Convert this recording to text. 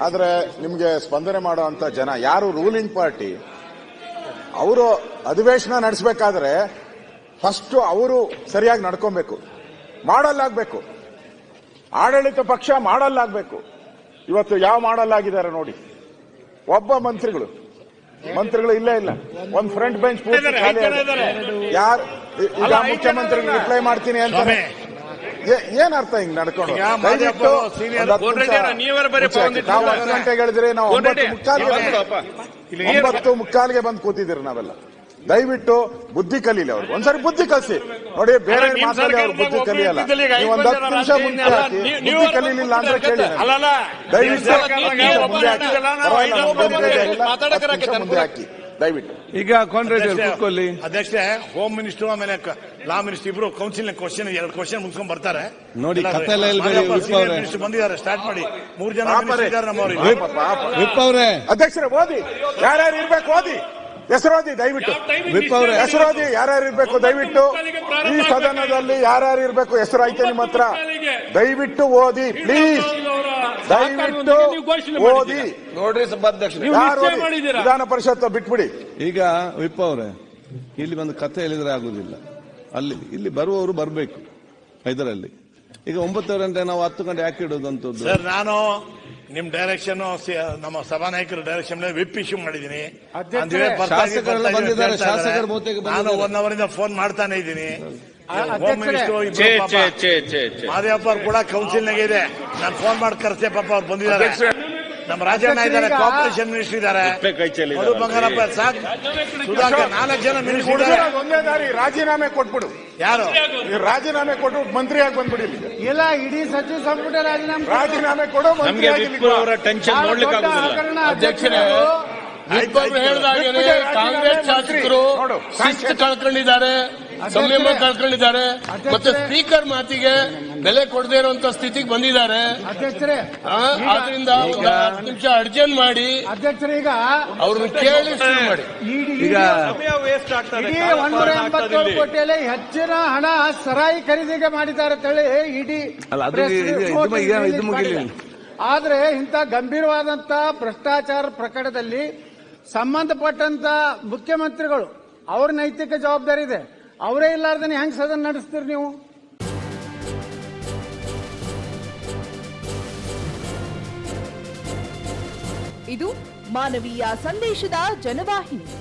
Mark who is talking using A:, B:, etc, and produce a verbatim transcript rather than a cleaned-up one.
A: ಆದ್ರೆ ನಿಮ್ಗೆ ಸ್ಪಂದನೆ ಮಾಡುವಂತ ಜನ ಯಾರು ರೂಲಿಂಗ್ ಪಾರ್ಟಿ ಅವರು ಅಧಿವೇಶನ ನಡೆಸಬೇಕಾದ್ರೆ ಫಸ್ಟ್ ಅವರು ಸರಿಯಾಗಿ ನಡ್ಕೊಬೇಕು, ಮಾಡಲ್ಲಾಗಬೇಕು. ಆಡಳಿತ ಪಕ್ಷ ಮಾಡಲ್ಲಾಗಬೇಕು. ಇವತ್ತು ಯಾವ ಮಾಡಲ್ಲಾಗಿದ್ದಾರೆ ನೋಡಿ. ಒಬ್ಬ ಮಂತ್ರಿಗಳು ಮಂತ್ರಿಗಳು ಇಲ್ಲೇ ಇಲ್ಲ. ಒಂದ್ ಫ್ರಂಟ್ ಬೆಂಚ್ ಪೂರ್ತಿ ಖಾಲಿ. ಯಾರು ಈಗ ಮುಖ್ಯಮಂತ್ರಿಗಳು ರಿಪ್ಲೈ ಮಾಡ್ತೀನಿ ಅಂತಾರೆ. ಏನ್ ಅರ್ಥ ಹಿಂಗ್ ನಡ್ಕೊಂಡು? ನಾವು ಹತ್ತು ಗಂಟೆಗೆ ಹೇಳಿದ್ರೆ ನಾವು ಒಂಬತ್ತು ಮುಕ್ಕಾಲ್ಗೆ ಒಂಬತ್ತು ಮುಕ್ಕಾಲ್ಗೆ ಬಂದು ಕೂತಿದ್ದೀರಿ ನಾವೆಲ್ಲ. ದಯವಿಟ್ಟು ಬುದ್ಧಿ ಕಲೀಲಿ ಅವ್ರಿಗೆ. ಒಂದ್ಸರಿ ಬುದ್ಧಿ ಕಲಿಸಿ ನೋಡಿ. ಬೇರೆ ಮಾತಾಡಿ ಅವ್ರು ಬುದ್ಧಿ ಕಲಿಯಲ್ಲ. ನೀವು ಒಂದ್ ಹತ್ತು ನಿಮಿಷ ಮುಂದೆ ಹಾಕಿ ಬುದ್ಧಿ ಕಲೀಲಿಲ್ಲ ಅಂದ್ರೆ ಕೇಳಿ. ದಯವಿಟ್ಟು ಮುಂದೆ ಹಾಕಿ ದಯವಿಟ್ಟು.
B: ಈಗ ಕಾಂಗ್ರೆಸ್ ಕೂತ್ಕೊಳ್ಳಿ.
C: ಅಧ್ಯಕ್ಷೆ, ಹೋಮ್ ಮಿನಿಸ್ಟರ್ ಆಮೇಲೆ ಲಾ ಮಿನಿಸ್ಟರ್ ಇಬ್ರು ಕೌನ್ಸಿಲ್ ಕ್ವಶನ್ ಎರಡು ಕ್ವಶನ್ ಮುಗಿಸ್ಕೊಂಡ್ ಬರ್ತಾರೆ
B: ನೋಡಿ.
C: ಮಿನಿಸ್ಟರ್ ಬಂದಿದ್ದಾರೆ, ಸ್ಟಾರ್ಟ್ ಮಾಡಿ. ಮೂರು ಜನ
B: ವಿಪ್ ಅವರೇ,
A: ಅಧ್ಯಕ್ಷರೇ ಓದಿ, ಯಾರ್ಯಾರು ಇರ್ಬೇಕು ಓದಿ, ಹೆಸರೋದಿ ದಯವಿಟ್ಟು.
B: ವಿಪ್ ಅವರೇ
A: ಹೆಸರೋದಿ, ಯಾರ್ಯಾರು ಇರ್ಬೇಕು ದಯವಿಟ್ಟು. ಈ ಸದನದಲ್ಲಿ ಯಾರ್ಯಾರು ಇರ್ಬೇಕು ಹೆಸರು ಐತೆ ನಿಮ್ಮ ಹತ್ರ, ದಯವಿಟ್ಟು ಓದಿ ಪ್ಲೀಸ್. ದಯವಿಟ್ಟು ಓದಿ
B: ನೋಡ್ರಿ ಸಭಾಧ್ಯಕ್ಷ.
A: ವಿಧಾನ ಪರಿಷತ್ ಬಿಟ್ಬಿಡಿ.
B: ಈಗ ವಿಪ್ ಅವರೇ, ಇಲ್ಲಿ ಒಂದು ಕಥೆ ಹೇಳಿದ್ರೆ ಆಗುದಿಲ್ಲ. ಅಲ್ಲಿ ಇಲ್ಲಿ ಬರುವವರು ಬರಬೇಕು ಇದರಲ್ಲಿ. ಈಗ ಒಂಬತ್ತು ಗಂಟೆ ನಾವು ಹತ್ತು ಗಂಟೆ ಯಾಕೆ ಇಡೋದಂತದ್ದು?
C: ಸರ್, ನಾನು ನಿಮ್ ಡೈರೆಕ್ಷನ್ ನಮ್ಮ ಸಭಾನಾಯಕರ ಡೈರೆಕ್ಷನ್ ವಿಪ್ ಇಶ್ಯೂ ಮಾಡಿದ್ದೀನಿ. ನಾನು ಒನ್ ಅವರ್ ಇಂದ ಫೋನ್ ಮಾಡ್ತಾನೆ ಇದ್ದೀನಿ. ಹೋಮ್ ಮಿನಿಸ್ಟರ್ ಮಾದೇವಪ್ಪ ಅವ್ರು ಕೂಡ ಕೌನ್ಸಿಲ್ನಾಗೆ ಇದೆ. ನಾನು ಫೋನ್ ಮಾಡಿ ಕರ್ಸೆ, ಪಾಪ ಅವ್ರು ಬಂದಿದ್ದಾರೆ. ನಮ್ಮ ರಾಜಣ್ಣ ಇದ್ದಾರೆ, ಕಾರ್ಪೊರೇಷನ್ ಮಿನಿಸ್ಟರ್ ಇದ್ದಾರೆ, ಮಧು ಬಂಗಾರಪ್ಪ, ಸಾಕ್ ಸುಧಾಕರ್, ನಾಲ್ಕು ಜನ ಮಿನಿಸ್ಟರ್ ಇದ್ದಾರೆ.
A: ಒಂದೇ ದಾರಿ, ರಾಜೀನಾಮೆ ಕೊಟ್ಬಿಡು.
C: ಯಾರು
A: ರಾಜೀನಾಮೆ ಕೊಟ್ಟು ಮಂತ್ರಿಯಾಗಿ ಬಂದ್ಬಿಡಿ.
D: ಇಲ್ಲ, ಇಡೀ ಸಚಿವ ಸಂಪುಟ ರಾಜೀನಾಮೆ
A: ರಾಜೀನಾಮೆ ಕೊಡು.
E: ಟೆನ್ಷನ್ ನೋಡ್ಲಿಕ್ಕೆ ಅಧ್ಯಕ್ಷರೇ, ಹೇಳಿದಾಗೆ ಕಾಂಗ್ರೆಸ್ ಶಾಸಕರು ಶಿಸ್ತು ಕಳ್ಕೊಂಡಿದ್ದಾರೆ, ಸಂಯಮ ಕಳ್ಕೊಂಡಿದ್ದಾರೆ, ಮತ್ತೆ ಸ್ಪೀಕರ್ ಮಾತಿಗೆ ಬೆಲೆ ಕೊಡದೇ ಇರುವಂತ ಸ್ಥಿತಿಗೆ ಬಂದಿದ್ದಾರೆ.
D: ಅಧ್ಯಕ್ಷರೇ,
E: ಆದ್ರಿಂದ ಒಂದು ಹತ್ತು ನಿಮಿಷ ಅರ್ಜೆಂಟ್ ಮಾಡಿ
D: ಅಧ್ಯಕ್ಷರೇ ಈಗ
E: ಅವ್ರನ್ನ ಕೇಳಿ ಶುರು ಮಾಡಿ.
D: ಈಗ ಒಂದೂರ ಎಂಬತ್ತೇಳು ಕೋಟಿಯಲ್ಲಿ ಹೆಚ್ಚಿನ ಹಣ ಸರಾಯಿ ಖರೀದಿಗೆ ಮಾಡಿದ್ದಾರೆ ಅಂತೇಳಿ ಇಡೀ. ಆದ್ರೆ ಇಂಥ ಗಂಭೀರವಾದಂತ ಭ್ರಷ್ಟಾಚಾರ ಪ್ರಕರಣದಲ್ಲಿ ಸಂಬಂಧಪಟ್ಟಂತ ಮುಖ್ಯಮಂತ್ರಿಗಳು ಅವ್ರ ನೈತಿಕ ಜವಾಬ್ದಾರಿ ಇದೆ. ಅವರೇ ಇಲ್ಲಾರ್ದನೆ ಹೆಂಗ್ ಸದನ ನಡೆಸ್ತೀರಿ ನೀವು?
F: ಇದು ಮಾನವೀಯ ಸಂದೇಶದ ಜನವಾಹಿನಿ.